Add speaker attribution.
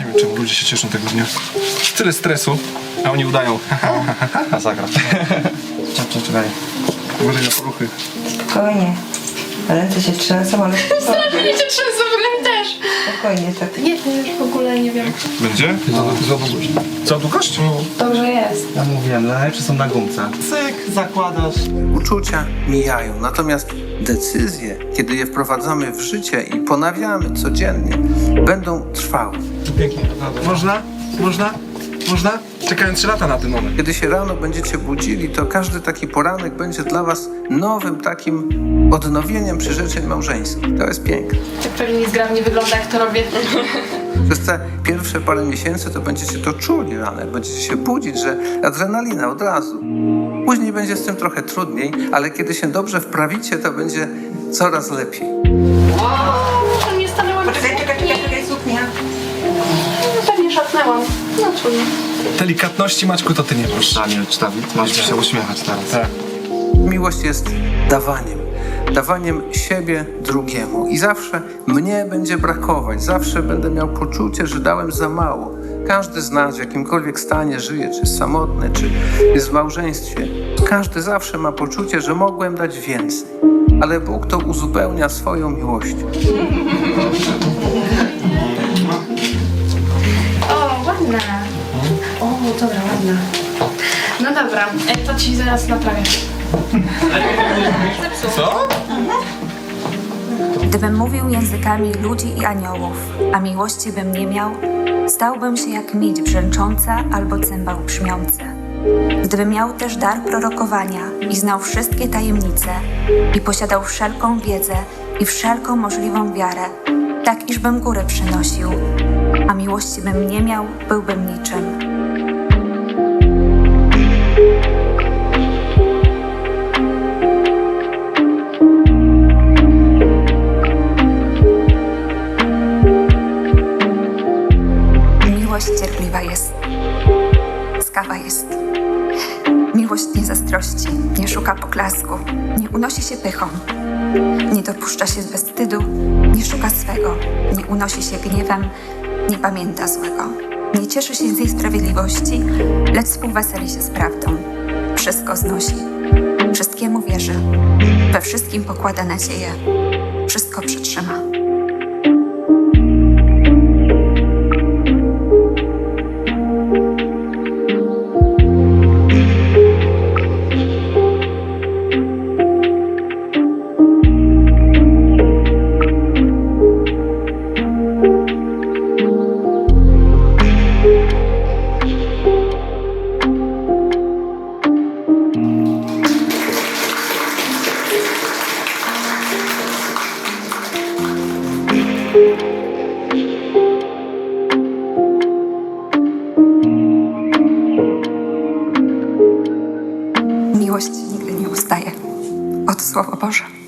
Speaker 1: wiem, czemu ludzie się cieszą tego dnia. Tyle stresu, a oni udają.
Speaker 2: Masakra. Czekaj.
Speaker 1: Uważaj na poruchy.
Speaker 3: Spokojnie. Ręce się trzęsą, ale
Speaker 4: Strasznie cię trzęsą, w też.
Speaker 3: spokojnie, tak.
Speaker 4: Nie, to już w ogóle nie wiem.
Speaker 1: Będzie? Znowu głośno. Co, długość?
Speaker 4: Dobrze jest.
Speaker 2: Ja mówiłem, najlepsze są na gumce. Cyk, zakładasz.
Speaker 5: Uczucia mijają, natomiast decyzje, kiedy je wprowadzamy w życie i ponawiamy codziennie, będą trwałe.
Speaker 1: Pięknie, naprawdę. Można? Można? Można? Czekałem 3 lata na ten moment.
Speaker 5: Kiedy się rano będziecie budzili, to każdy taki poranek będzie dla was nowym takim odnowieniem przyrzeczeń małżeńskich. To jest piękne.
Speaker 4: Tak pewnie zgrabnie wygląda, jak to robię.
Speaker 5: Przez te pierwsze parę miesięcy to będziecie to czuli rano, jak będziecie się budzić, że adrenalina od razu. Później będzie z tym trochę trudniej, ale kiedy się dobrze wprawicie, to będzie coraz lepiej.
Speaker 4: To nie stanęłam.
Speaker 3: Czekaj, suknia.
Speaker 4: No pewnie szarpnęłam. No trudno.
Speaker 1: Delikatności, Maćku, to ty nie masz.
Speaker 2: Daniel, czy Dawid? Masz się uśmiechać teraz.
Speaker 1: Tak.
Speaker 5: Miłość jest dawaniem siebie drugiemu. I zawsze mnie będzie brakować, zawsze będę miał poczucie, że dałem za mało. Każdy z nas w jakimkolwiek stanie żyje, czy jest samotny, czy jest w małżeństwie. Każdy zawsze ma poczucie, że mogłem dać więcej. Ale Bóg to uzupełnia swoją miłością.
Speaker 4: O, ładna. O, dobra, ładna. No dobra, to ci zaraz naprawię.
Speaker 1: Co?
Speaker 6: Gdybym mówił językami ludzi i aniołów, a miłości bym nie miał, stałbym się jak miedź brzęcząca albo cymbał brzmiący. Gdybym miał też dar prorokowania i znał wszystkie tajemnice i posiadał wszelką wiedzę i wszelką możliwą wiarę, tak iżbym górę przynosił, a miłości bym nie miał, byłbym niczym. Miłość cierpliwa jest, łaskawa jest. Miłość nie zazdrości, nie szuka poklasku, nie unosi się pychą, nie dopuszcza się bezwstydu, nie szuka swego, nie unosi się gniewem, nie pamięta złego, nie cieszy się z jej sprawiedliwości, lecz współweseli się z prawdą. Wszystko znosi, wszystkiemu wierzy, we wszystkim pokłada nadzieję, wszystko przetrzyma. Miłość nigdy nie ustaje. Oto Słowo Boże.